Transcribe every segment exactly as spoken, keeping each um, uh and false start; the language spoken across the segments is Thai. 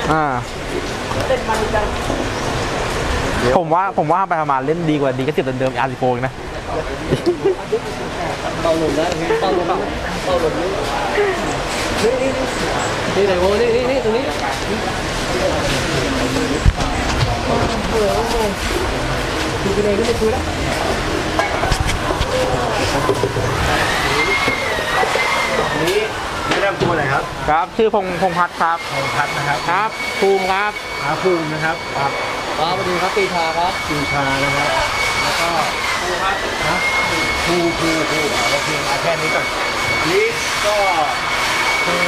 อ่าผมว่าผมว่าไปประมาณเล่นดีกว่าดีก็สิบเดิมๆอาร์ซิโฟนะเป่าหลุมนะเป่าหลุมเป่าหลุมนี่นี่นี่ไหนโว้นี่นี่นี่ตรงนี้ดูกันเองก็ไม่คุยแล้วนี้แนะนำตัวหน่อยครับครับชื่อพงพงพัฒน์ครับพงพัฒน์นะครับครับภูมิครับอาภูมินะครับครับครับสวัสดีครับปีชาครับปีชานะครับแล้วก็ภูครับนะภูภูภูโอเคเอาแค่นี้ก่อนนี้ก็คือ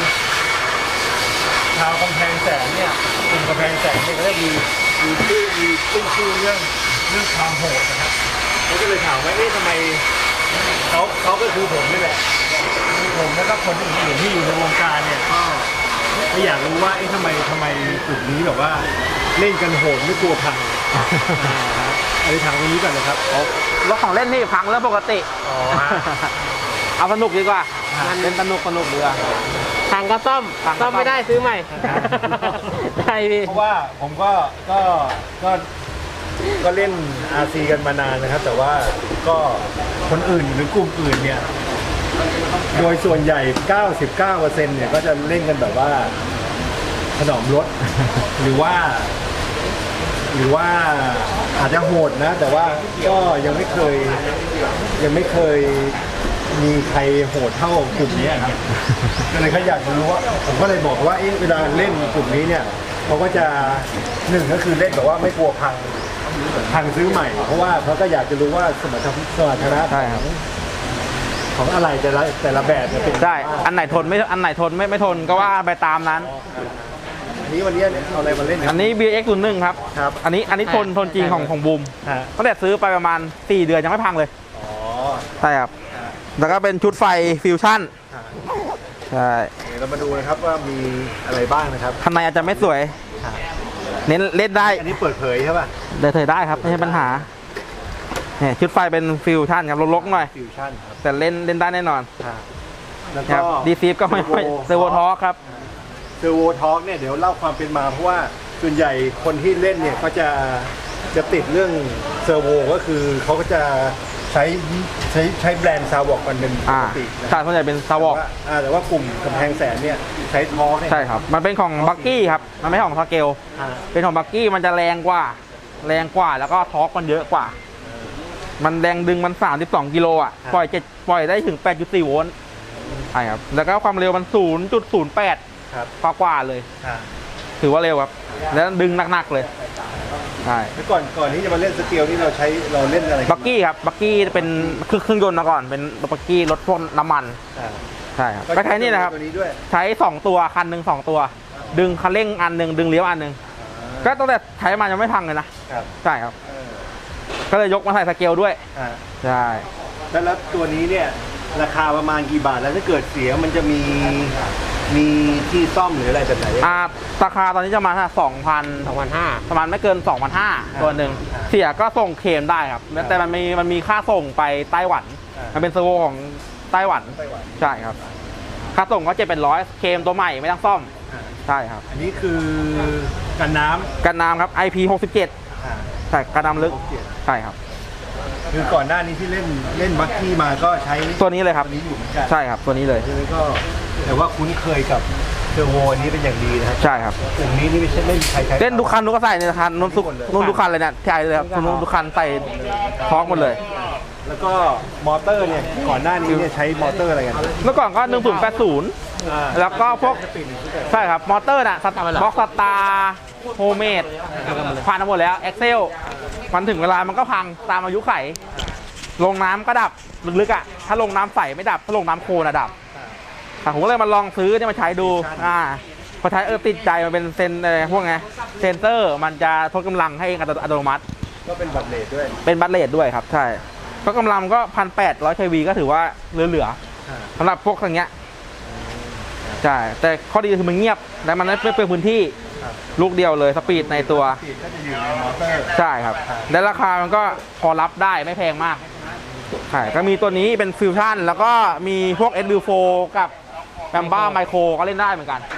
ชาวกำแพงแสนเนี่ยกลุ่มกำแพงแสนเนี่ยก็ได้มีมีชื่อมีชื่อชื่อเรื่องเรื่องความโหดนะครับเขาก็เลยถามว่าเอ๊ะทำไมเขาเขาก็คือผมนี่แหละผมแล้วก็คนอื่นๆที่อยู่ในวงการเนี่ยก็ไม่อยากรู้ว่าเอ๊ะทำไมทำไมกลุ่มนี้แบบว่าเล่นกันโหดไม่กลัวพังอันนี้ถามตรงนี้ก่อนนะครับรถของเล่นนี่พังแล้วปกติเอาสนุกดีกว่าเล่นสนุกสนุกดีกว่าพังก็ซ่อมซ่อมไม่ได้ซื้อใหม่ได้พี่เพราะว่าผมก็ก็ก็ก็เล่น อาร์ ซี กันมานานนะครับแต่ว่าก็คนอื่นหรือกลุ่มอื่นเนี่ยโดยส่วนใหญ่ เก้าสิบเก้าเปอร์เซ็นต์ เนี่ยก็จะเล่นกันแบบว่าถนอมรถ หรือว่า หรือว่าอาจจะโหดนะแต่ว่าก็ยังไม่เคยยังไม่เคยมีใครโหดเท่ากลุ่มนี้ครับก็เลยเขาอยากรู้ว่าผมก็เลยบอกว่าเวลาเล่นกลุ่มนี้เนี่ยเขาก็จะหนึ่งก็คือเล่นแบบว่าไม่กลัวพังพังซื้อใหม่เพราะว่าเขาก็อยากจะรู้ว่าสมรรถสมรรถนะของของอะไรแต่ละแต่ละแบบเนี่ยเป็นได้อันไหนทนไม่อันไหนทนไม่ไม่ทนก็ว่าไปตามนั้นอันนี้วันนี้เอาอะไรมาเล่นอันนี้ บี เอ็กซ์ ศูนย์หนึ่งครับครับอันนี้อันนี้ทนทนจริงของของบูมตั้งแต่ซื้อไปประมาณสี่เดือนยังไม่พังเลยอ๋อใช่ครับแล้วก็เป็นชุดไฟฟิวชั่นใช่เดี๋ยวเรามาดูนะครับว่ามีอะไรบ้างนะครับข้างในอาจจะไม่สวยเน้นเล่นได้อันนี้เปิดเผยใช่ป่ะเดินเผยได้ครับไม่ใช่ปัญหาเนี่ยชุดไฟเป็นฟิวชั่นครับลกๆหน่อยฟิวชั่นครับแต่เล่นเล่นได้แน่นอนแล้วก็ดีซีฟก็ไม่ไม่เซอร์โวทอร์กครับเซอร์โวทอร์กเนี่ยเดี๋ยวเล่าความเป็นมาเพราะว่าส่วนใหญ่คนที่เล่นเนี่ยก็จะจะติดเรื่องเซอร์โวก็คือเขาก็จะใช้ใช้ใช้แบรนด์ซาวอกกันเป็นปกติใช่ส่วนใหญ่เป็นซาวอกแต่ว่ากลุ่มกำแพงแสนเนี่ยใช้ทอร์กใช่ครับมันเป็นของบักกี้ครับมันไม่ของสเกลเป็นของบักกี้มันจะแรงกว่าแรงกว่าแล้วก็ทอร์กมันเยอะกว่ามันแรงดึงมันสามสิบสองกิโลอ่ะปล่อยเจ็ดปล่อยได้ถึง แปดจุดสี่ โวลต์ใช่ครับแล้วก็ความเร็วมัน ศูนย์จุดศูนย์แปด กว่ากว่าเลยถือว่าเร็วครับแล้วดึงหนักๆเลยใช่แล้วก่อนก่อนที่จะมาเล่นสเกลนี่เราใช้เราเล่นอะไรบักกี้ครับบักกี้เป็นเครื่องยนต์มาก่อนเป็นบักกี้รถพ่นน้ำมันใช่ครับก็ใช้นี่นะครับใช้สองตัวคันหนึ่งสองตัวดึงคันเร่งอันหนึ่งดึงเลี้ยวอันหนึ่งก็ตั้งแต่ใช้มายังไม่พังเลยนะใช่ครับก็เลยยกมาใส่สเกลด้วยใช่แล้วตัวนี้เนี่ยราคาประมาณกี่บาทแล้วถ้าเกิดเสียมันจะมีมีที่ซ่อมหรืออะไรแบบไหนอ่าราคาตอนนี้จะมาสองพันสองพันห้าประมาณไม่เกินสองพันห้าตัวหนึ่งเสียก็ส่งเคลมได้ครับแต่มันมีมันมีค่าส่งไปไต้หวันมันเป็นเซอร์โวของไต้หวันใช่ครับค่าส่งก็เจ็ดเป็นร้อยเคลมตัวใหม่ไม่ต้องซ่อมใช่ครับอันนี้คือกันน้ำกันน้ำครับ ไอ พี หกสิบเจ็ดใช่กันน้ำลึกใช่ครับคือก่อนหน้านี้ที่เล่นเล่นบัคกี้มาก็ใช้ตัวนี้เลยครับตัวนี้อยู่เหมือนกันใช่ครับตัวนี้เลยก็แต่ว่าคุ้นเคยกับเทอร์โวนี้เป็นอย่างดีนะครับใช่ครับกลุ่มนี้นี่ไม่ใช่เล่นใครใช้เล่นทุกคันทุกก็ใส่ในคันนุ่นทุกนุ่นทุกคันเลยเนี่ยใช่เลยครับนุ่นทุกคันใส่ท้องหมดเลยแล้วก็มอเตอร์เนี่ยก่อนหน้านี้เนี่ยใช้มอเตอร์อะไรกันเมื่อก่อนก็หนึ่งศูนย์แปดศูนย์แล้วก็พวกใช่ครับมอเตอร์น่ะบ็อกสตาร์โฮเมดผ่านหมดแล้วเอ็กเซลมันถึงเวลามันก็พังตามอายุไขลงน้ำก็ดับลึกๆอ่ะถ้าลงน้ำใสไม่ดับถ้าลงน้ำโคลนอะดับผมก็เลยมาลองซื้อเนี่ยมาใช้ดูอ่าพอใช้เออติดใจมันเป็นเซนอะไรพวกไงเซนเซอร์มันจะทดกำลังให้เองอัตโนมัติก็เป็นบัตเลทด้วยเป็นบัตเลทด้วยครับใช่ก็กำลังก็พันแปดร้อยเควีก็ถือว่าเหลือๆสำหรับพวกอย่างเงี้ยใช่แต่ข้อดีคือมันเงียบและมันไม่เปลืองพื้นที่ลูกเดียวเลยสปีดในตัวใช่ครับและราคามันก็พอรับได้ไม่แพงมากใช่ก็มีตัวนี้เป็นฟิวชั่นแล้วก็มีพวก เอส วิว โฟร์ กับแบมบ้าไมโครก็เล่นได้เหมือนกัน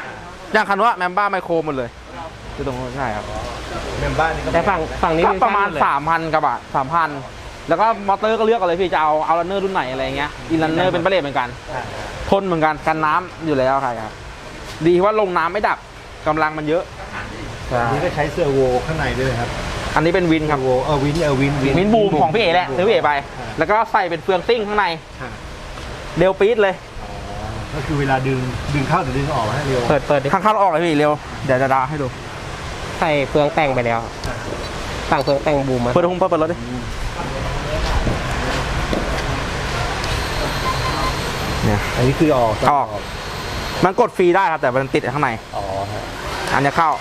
อย่างคันว่าแมมบ้าไมโครหมดเลยคือตรงนู้นใช่ครับเมมบ้านนี่ก็แต่ฝั่งฝั่งนี้ก็ฟิวปชั่นระมาณหดเลยสามพันกว่าบาทสามพันแล้วก็มอเตอร์ก็เลือกกันเลยพี่จะเอาเอาลันเนอร์รุ่นไหนอะไรเงี้ยอินลันเนอร์เป็นประเลทเหมือนกันอ่าทนเหมือนกันกันน้ำอยู่แล้วครับดีว่าลงน้ำไม่ดับกำลังมันเยอะอันนี้ก็ใช้เสื้อโวข้างในด้วยครับอันนี้เป็นวินครับโวเออวินเออวินวินบูมของพี่เอ๋แหละซื้อพี่เอ๋ไป แล้วก็ใส่เป็นเฟืองซิ่งข้างในอ่าเร็วปี๊ดเลยก็คือเวลาดึงดึงเข้าหรือดึงออกให้เร็วเปิดเปิดดิข้างเข้าออกเลยพี่เร็วเดี๋ยวจะดาให้ดูใส่เฟืองแต่งไปแล้วสั่งเฟืองแต่งบูมมาเปิดหุ้มเปิดเปิดรถดิเนี่ยอันนี้คือออกออก มันกดฟรีได้ครับแต่มันติดข้างในอ๋อฮะอันนี้เข้า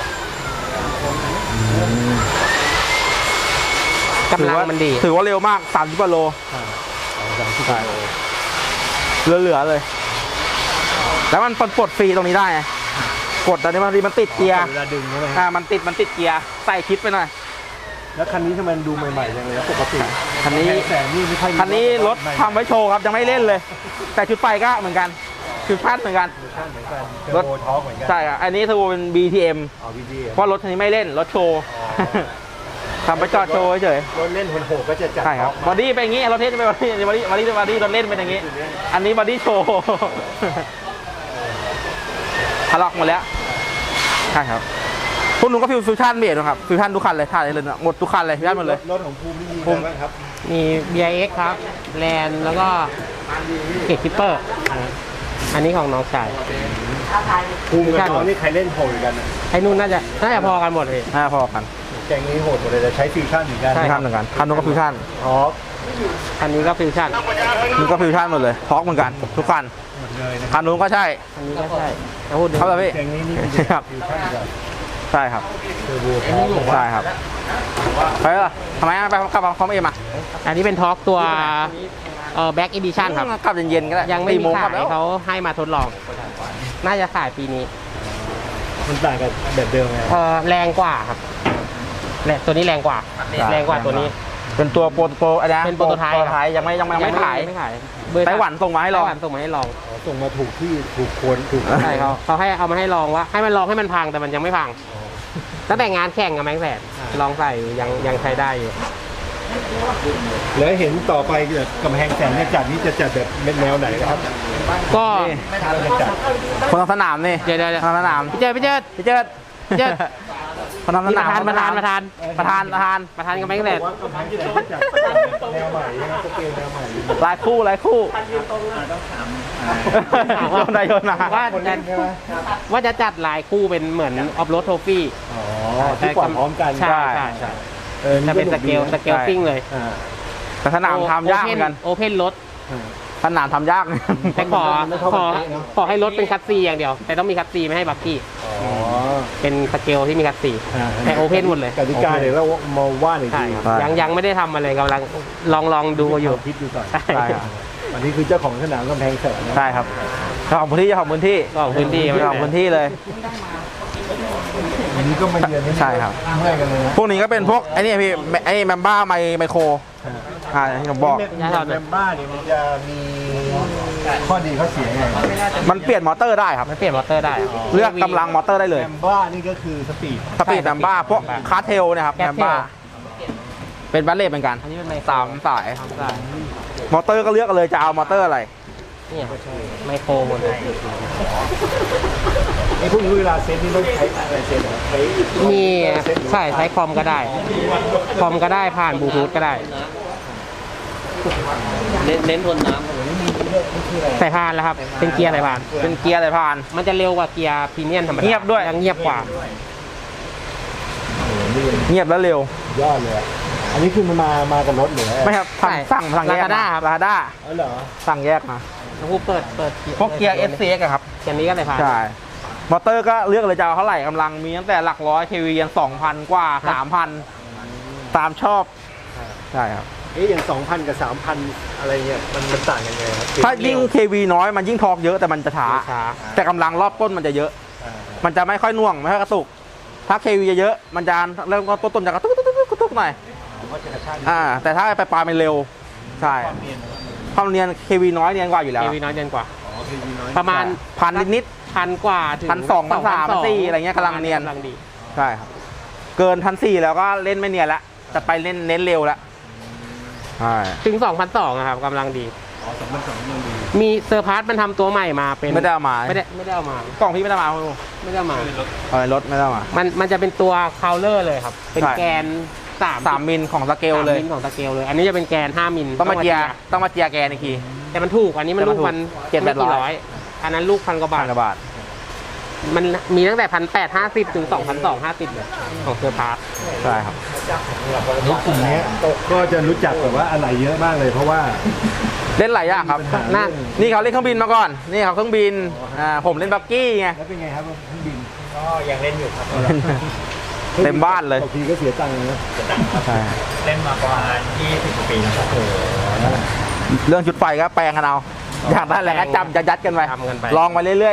กำลังมันดีถือว่าเร็วมากสามสิบกว่าโลอ่าเอาสามสิบกิโลเหลือๆเลย แล้วมันปลดฟรีตรงนี้ได้ไงกดตอนนี้มันมันติดเกียร์เวลาดึงใช่ไหมอ่ามันติดมันติดเกียร์ใส่คลิปไปหน่อยแล้วคันนี้ทำไมมันดูใหม่ๆจังเลยนะปกติคันนี้แสงนี่ไม่ค่อยมีคันนี้รถใหม่ทำไว้โชว์ครับยังไม่เล่นเลย แต่ชุดไฟก็เหมือนกันชุดพัดเหมือนกันเหมือนกันรรถถท็อกเหมือนกันใช่ครับอันนี้เทอร์โบเป็น บี ที เอ็มเอาวีดีเพราะรถคันนี้ไม่เล่นรถโชว์ทำไปจอดโชว์เฉยรถเล่นโหดๆก็จะจัดใช่ครับท็บออดี้เป็นอย่างงี้รถเทสเป็นบอดี้บอดี้บอดี้บอดี้รถเล่นเป็นอย่างงี้ อันนี้บอดี้โชว์ทะลอกหมดแล้วใช่ครับพวกหนูก็ฟิวฟิวชั่นเบรดนะครับฟิวชั่นทุกคันเลยถ่ายเลยนะหมดทุกคันเลยฟิวชั่นหมดเลยรถของภูมินี่มีภูอะไรมิบ้างครับมี บี ไอ เอ็กซ์ ครับแลนแล้วก็เกตคิปเปอร์อันนี้ของน้องชายภูมิกับน้องนี่ใครเล่นโหดกันนะไอ้นู่นน่าจะน่าจะพอกันหมดเลยอ่าพอกันแกงนี้โหดหมดเลยแต่ใช้ฟิวชั่นเหมือนกันใช่ฟิวชั่นเหมือนกันคันนู้นก็ฟิวชั่นท็อกอันนี้ก็ฟิวชั่นนี่ก็ฟิวชั่นหมดเลยท็อกเหมือนกันทุกคันหมดเลยนะคันนู้นก็ใช่อันนี้ก็ใช่เอาพูดถึงครับพี่แกงนี้นี่มีครับฟิวชั่นกับใช่ครับเทอร์โบท็อกใช่ครับไปเหรอทำไมอ่ะไปกลับมาคอมเอ็มอ่ะอันนี้เป็นท็อกตัวเอ่อแบ็กอีดิชั่นครับกลับเย็นๆก็ได้ยังไม่สี่มีโมงขากลับยแล้วเขาให้มาทดลอง น่าจะขายปีนี้มันต่างกับแบบเดิมไงเออแรงกว่าครับแรงตัวนี้แรงกว่า แรงกว่าตัวนี้เป็นตัวโปรโปรอะไรนะเป็นโปรโตไทป์โปรโตไทป์ยังไม่ยังไม่ยังไม่ขายไม่ขายไต้หวันส่งมาให้ลองไต้หวันส่งมาให้ลองอ๋อส่งมาถูกที่ถูกคนถูกใช่เขาเขาให้เอามาให้ลองว่าให้มันลองให้มันพังแต่มันยังไม่พังตั้งแต่งานแข่งกับแมงแสนลองใส่ยังยังใช้ได้อยู่แล้วเห็นต่อไปแบบกำแพงแสนเนี่ยจัดนี่จะจัดแบบเป็นแนวไหนนะครับก็จะจัดคนทำสนามนี่เดี๋ยวเดี๋ยวเดี๋ยวคนทำสนามพี่เจิดพี่เจิดพี่เจิดพี่เจิดคนทำสนี่ปนามระธานประธานประธานประธานประธานประธานกับแมงแสนว่ากำแพงแสนจัดแนวใหม่ใช่ไหมสเกลแนวใหม่หลายคู่หลายคู่โยนได้โยนนะว่าคนจะเล่นใช่ไหมว่าจะจัดหลายคู่เป็นเหมือนออฟโรดโทฟี่อ๋อที่กว่าพร้อมกันใช่ใช่ใช่ออจะเป็นสเกลสเกลซิ่งเลยอ่าแต่สนามทำยากเหมือนกันโอเพนรถสนามทำยากแต่ขอมันไม่เท่าขกับอเป๊ะเนอะขอให้รถเป็นคัตซีอย่างเดียว แต่ต้องมีคัตซีไม่ให้บักกี้อ๋อเป็นสเกลที่มีคัตซีอ่าแต่โอเพนหมดเลยกติกาเดี๋ยวเรามาว่าอีกใช่ทีครับยังยังไม่ได้ทำอะไรกำลังลองลองดูอยู่คิดดูก่อนใช่ใช่ครับอันนี้คือเจ้าของสนามกำแพงแสนนะใช่ครับเจ้าของพื้นที่เจ้าของพื้นที่ก็ของพื้นที่เจ้าของพื้นที่เลยอันนี้ก็มาเยือนที่นี่ใช่ครับเมื่อยกันเลยนะพวกนี้ก็เป็นพวกไอ้นี่พี่ไอ้แมมบ้าไมไมโครอ่าที่ผมบอกเมมบ้าเนี่ยมันจะมีข้อดีข้อเสียไงมันเปลี่ยนมอเตอร์ได้ครับมันเปลี่ยนมอเตอร์ได้เลือกกำลังมอเตอร์ได้เลยแมมบ้านี่ก็คือสปีดสปีดแมมบ้าพวกคาร์เทลเนะครับแก๊แมสมเทลบ้าเป็นบัลเลตเหมือนกันอันนี้เป็นไมโครสามสายใช่มอเตอร์ก็เลือกกันเลยจะเอามอเตอร์อะไรเนี่ยไมโครหมดเลยไอ้พวกนี้เวลาเซ็ตนี่ต้องใช้อะไรเซ็ตเหรอใช้มีใช่ใช้คอมก็ได้ คอมก็ได้ผ่านบลูทูธก็ได้เน้นเน้นทนน้ใส่พานแล้วครับ เป็นเกียร์ใส่พานเป็นเกียร์อะไรผ่านมันจะเร็วกว่าเกียร์พรีเมียมธรรมดาเงียบด้วยยังเงียบกว่าเงียบแล้วเร็วยอดเลยอะอันนี้คือมันมามากับรถหรือไม่ครับสั่งสั่งสั่งแยก Lazada ครับลาด้าอ๋อเหรอสั่งแยกมาแล้วกูเปิดเปิดพวกเกียร์ เอส ซี เอ็กซ์ อะครับเกียร์นี้ก็ใส่พานใช่ มอเตอร์ก็เลือกเลยจะเอาเท่าไหร่กำลังมีตั้งแต่หลักร้อยเควียันสองพันกว่าสามพันตามชอบ ใช่ครับเอ๊ะอย่างสองพันกับสามพันอะไรเงี้ยมันมันต่างกันไงครับถ้ายิ่ง เควี น้อยมันยิ่งทอร์กเยอะแต่มันจะช้าช้าแต่กำลังรอบต้นมันจะเยอะอ่ามันจะไม่ค่อยน่วงไม่ค่อยกระตุก ถ้า เควี เยอะๆมันจะเริ่มต้นต้นจะกระตุกกระตุกกระตุกหน่อยผมว่าจะกระชากอ่า แต่ถ้าไปปลายมันเร็ว ใช่ความเนียน เควี น้อยเนียนกว่าอยู่แล้วเอวีน้อยเกินกว่าอ๋อคือน้อยประมาณพันนิดถพันกว่าถึงพันสองพันสามพันสี่อะไรเงี้ยกำลังเนียนกำลังดีใช่ครับเกินพันสี่แล้วก็เล่นไม่เนียนละจะไปเล่นเน้นเร็วละใช่ถึงสองพันสองครับกำลังดีอ๋อสองพันสองมันดีมีเซอร์พาร์ทมันทำตัวใหม่มาเป็นไม่ได้เอามาไม่ได้ไม่ได้เอามากล่องพี่ไม่ได้มาคุณไม่ได้เอามาเออรถไม่ได้เอามามันมันจะเป็นตัวคาวเลอร์เลยครับ เป็นใช่แกนสามสามมิลของสเกลเลยสามมิลของสเกลเลย อันนี้จะเป็นแกนห้ามิลต้องมาเจียต้องมาเจียแกนอีกทีแต่มันถูกอันนี้มันแต่มัลูนกถูกพันเจ็ดแปดร้อยไม่กี่อันนั้นลูกพันกว่าบาพัทนกว่าบาทมันมีตั้งแต่พันแปดห้าสิบถึงสองพันสองห้าสิบเลยของเซอร์พาร์ทใช่ครับรถกลุ่มเนี้ยก็จะรู้จักแบบว่าอะไรเยอะมากเลย เพราะว่าเล่นหลายอย่างครับมีปัญหานั่นนี่เขาเล่นเครื่องบินมาก่อน นี่เขาเครื่องบินอ่าผมเล่นบักกี้ไงแล้วเป็นไงครับเครื่องบินก็ยังเล่นอยู่ครับเต็มบ้านเลยบางทีก็เสียตังค์นะใช่เล่นมาประมาณยี่สิบกว่าปีแล้วครับเรื่องชุดไฟก็แปลงกันเอาอยากได้อะไรก็จำจะยัดกันไปทำกันไปลองไปเรื่อย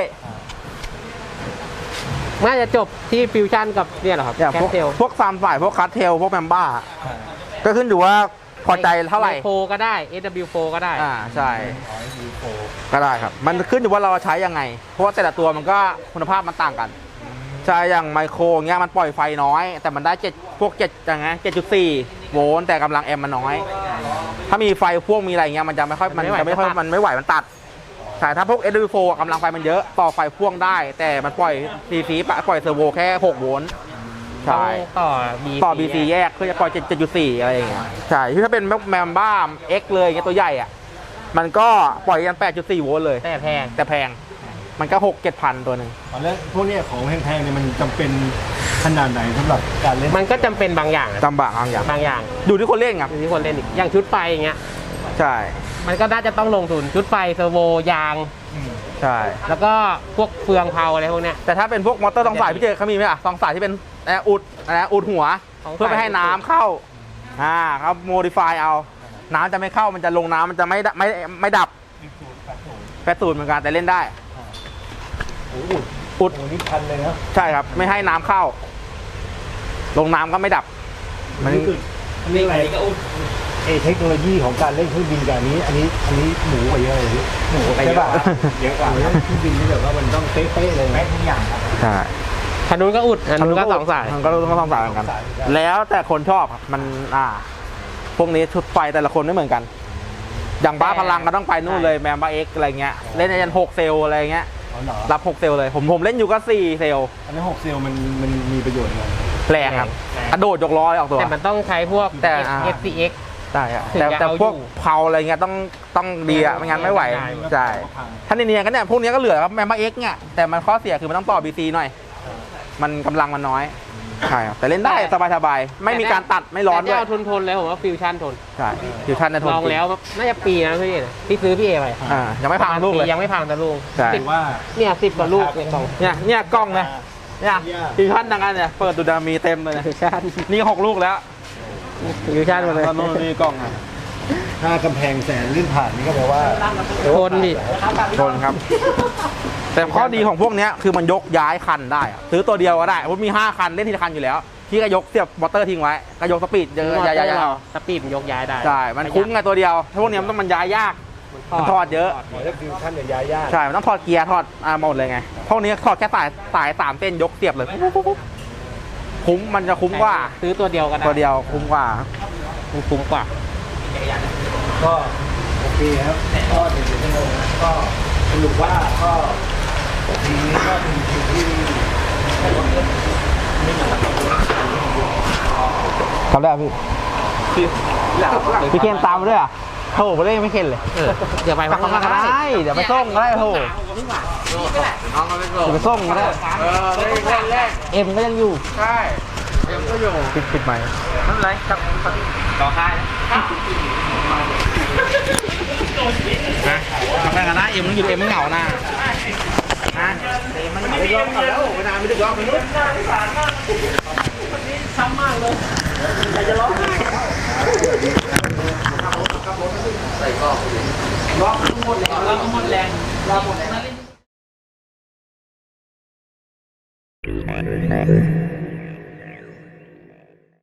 น่าจะจบที่ฟิวชั่นกับเนี่ยเหรอครับๆอย่างแคพสวกเทลพวกซามฝ่ายพวกคัสเทลพวกแมมบ้าก็ขึ้นอยู่ว่าพอใจเท่าไหร่โฟก็ได้ เอส ดับเบิลยู โฟก็ได้อ่าใช่ก็ได้ครับ มันขึ้นอยู่ว่าเราใช้ยังไง เพราะว่าแต่ละตัวมันก็คุณภาพมันต่างกันใช่อย่างไมโครเงี้ยมันปล่อยไฟน้อย แต่มันได้เจ็ดพวกเจ็ดอย่างเงี้ยเจ็ดจุดสี่โวลต์แต่กำลังแอมป์มันน้อย ถ้ามีไฟพ่วงมีอะไรเงี้ยมันจะไม่ค่อยมันจะไม่ค่อยมันไม่ไหวมันตัดใช่ถ้าพวก เอส ดับเบิลยู โฟร์ กำลังไฟมันเยอะต่อไฟพ่วงได้ แต่มันปล่อยซีซีปะปล่อยเซอร์โวแค่หกโวลต์ใช่ต่อต่อ บี ซี แยกเพื่อจะปล่อยเจ็ดจุดสี่อะไรอย่างเงี้ยใช่ที่ถ้าเป็นแมมบ้า X เลยเงี้ยตัวใหญ่อ่ะมันก็ปล่อยยันแปดจุดสี่โวลต์เลยแต่แพงแต่แพงมันก็หกเจ็ดพันตัวหนึ่งแล้วพวกเนี้ยของแพงๆเนี่ยมันจำเป็นขนาดไหนสำหรับการเล่นมันก็จำเป็นบางอย่างอะจำบางบางอย่างบางอย่างดูที่คนเล่นครับอยู่ที่คนเล่นอีกอย่างชุดไฟอย่างเงี้ยใช่มันก็น่าจะต้องลงทุนชุดไฟเซอร์โวยางใช่แล้วก็พวกเฟืองเผาอะไรพวกเนี้ยแต่ถ้าเป็นพวกมอเตอร์สองสายพี่เจเขามีไหมอ่ะสองสายที่เป็นอะไรนะอุดอะไรนะอุดหัวสองสายเพื่อไม่ให้น้ำเข้าอ่าเขาโมดิฟายเอา น้ำจะไม่เข้ามันจะลงน้ำมันจะไม่ดไม่ไม่ดับแปดศูนย์เหมือนกันแต่เล่นได้โอ้โหอุดโอ้โหนี่พันเลยนะใช่ครับ ไม่ให้น้ำเข้า ลงน้ำก็ไม่ดับ มันนี่คืออันนี้อะไรเอเทคโนโลยีของการเล่นเครื่องบินกับอันนี้ อันนี้อันนี้หมูกว่าเยอะเลยพี่หมูไปเยอะกว่าเยอะกว่าเครื่องบินนี่แบบว่ามันต้องเป๊ะๆเลยไหมทุกอย่างครับใช่คันนู้นก็อุดอันนู้นก็สองสายมันก็ต้องสองสายเหมือนกัน แล้วแต่คนชอบครับมันอ่า พวกนี้ชุดไฟแต่ละคนไม่เหมือนกัน อย่างบ้าพลังก็ต้องไปนู่นเลยแมมบ้าเอ็กอะไรเงี้ยเล่นในยันหกเซลอะไรเงี้ยอ๋อเหรอรับหกเซลเลยผมผมเล่นอยู่ก็สี่เซลอันนี้หกเซลล์มันมันมีประโยชน์ไงแรงครับกระโดดยกล้อเลยออกตัวแต่มันต้องใช้พวกแต่อ่าเอฟ ซี เอ็กซ์ได้ครับถึงแต่จะแต่เอาอยู่พวกเผาอะไรเงี้ยต้องต้องดีอะไม่งั้นไม่ไหวใช่ถ้าในเนียนๆก็เนี่ยพวกเนี้ยก็เหลือครับแมมบ้าเอ็กเนี่ยแต่มันข้อเสียคือมันต้องต่อบีซีหน่อย มันกำลังมันน้อยใช่ครับแต่เล่นได้สบายๆไม่มีการตัดไม่ร้อนด้แต่วยถ้าเอาทนทนๆเลยผมว่าฟิวชั่นทนใช่ฟิวชั่นในทนลองแล้วน่าจะปีนะพี่เอ๋พี่ซื้อพี่เอไปอ่ายังไม่พังลูกเลยยังไม่พังแต่ลูกใช่สิบว่าเนี่ยสิบกว่าลูกในกล่องเนี่ยเนี่ยกล้องนะเนี่ยฟิวชั่นดังนั้นเนี่ยเปิดดูดามีเต็มเลยนะฟิวชั่นนี่หกลูกแล้วฟิวชั่นหมดเลยตอนนู้นนี่กล้องอ่ะถ้ากำแพงแสนลื่นผ่านนี่ก็แปลว่าทนดิทนครับ แต่ข้อดีของพวกเนี้ยคือมันยกย้ายคันได้อะซื้อตัวเดียวก็ได้ผมมีห้าคันเล่นทีละคันอยู่แล้วพี่ก็ยกเสียบมอเตอร์ทิ้งไว้ก็ยกสปีดเยอะย้ายๆเอาสปีดมันยกย้ายได้ใช่มันคุ้มไงตัวเดียวถ้าพวกเนี้ยมันต้องมันย้ายยาก มันถอดเยอะขอเรียกฟิวชั่นเนี่ยย้ายยากใช่ มันต้องถอดเกียร์ถอดอ่าหมดเลยไง พวกนี้ถอดแค่สายสายสามเส้นยกเสียบเลยปุ๊บปุ๊บปุ๊บคุ้มมันจะคุ้มกว่าซื้อตัวเดียวก็ได้ตัวเดียวคุ้มกว่ามันคุ้มกว่าก็โอเคครับก็ถึงชั่วโมงนะก็สรุปว่าก็ทีนี้ก็เป็นสิ่งที่ทำได้พี่พี่เคนตามมาด้วยอ่ะโถไปเล่นไม่เคนเลยเออเดี๋ยวไปไปข้างล่างก็ได้ เดี๋ยวไปส่งก็ได้โถเดี๋ยวไปส่งก็ได้เออเล่นเล่นเล่นเอ็มก็ยังอยู่ใช่เอ็มก็อยู่ปิดปิดไหมค์นั่นไรครับต่อค่ายนะทำได้กันนะเอ็มต้องอยู่เอ็มไม่เหงานะนะเอ็มมันเหงาได้ยอมแล้วเวลาไม่ได้ยอมมันนู้นซ้ำมากเลยอยากจะร้องไห้